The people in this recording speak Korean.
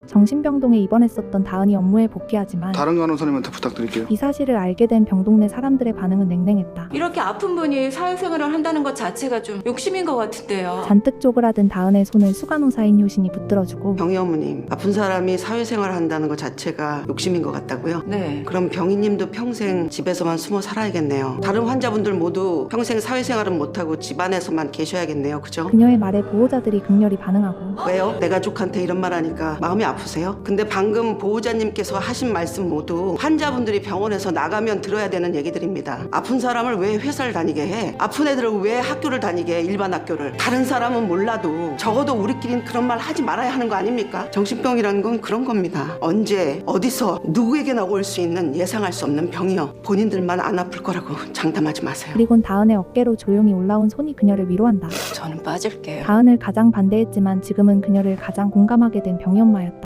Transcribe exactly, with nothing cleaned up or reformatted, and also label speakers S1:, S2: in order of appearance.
S1: 정신병동에 입원했었던 다은이 업무에 복귀하지만
S2: 다른 간호사님한테 부탁드릴게요.
S1: 이 사실을 알게 된 병동 내 사람들의 반응은 냉랭했다.
S3: 이렇게 아픈 분이 사회생활을 한다는 것 자체가 좀 욕심인 것 같은데요.
S1: 잔뜩 쪼그라든 다은의 손을 수간호사인 효신이 붙들어주고
S4: 병희 어머님, 아픈 사람이 사회생활을 한다는 것 자체가 욕심인 것 같다고요?
S3: 네.
S4: 그럼 병희님도 평생 집에서만 숨어 살아야겠네요. 다른 환자분들 모두 평생 사회생활은 못하고 집안에서만 계셔야겠네요. 그죠?
S1: 그녀의 말에 보호자들이 극렬히 반응하고
S4: 왜요? 내 가족한테 이런 말 하니까 마음이 아프세요? 근데 방금 보호자님께서 하신 말씀 모두 환자분들이 병원에서 나가면 들어야 되는 얘기들입니다. 아픈 사람을 왜 회사를 다니게 해? 아픈 애들을 왜 학교를 다니게 해? 일반 학교를. 다른 사람은 몰라도 적어도 우리끼리는 그런 말 하지 말아야 하는 거 아닙니까? 정신병이라는 건 그런 겁니다. 언제 어디서 누구에게나 올 수 있는 예상할 수 없는 병이요. 본인들만 안 아플 거라고 장담하지 마세요.
S1: 그리곤 다은의 어깨로 조용히 올라온 손이 그녀를 위로한다.
S3: 저는 빠질게요.
S1: 다은을 가장 반대했지만 지금은 그녀를 가장 공감하게 된 병이 엄마였다.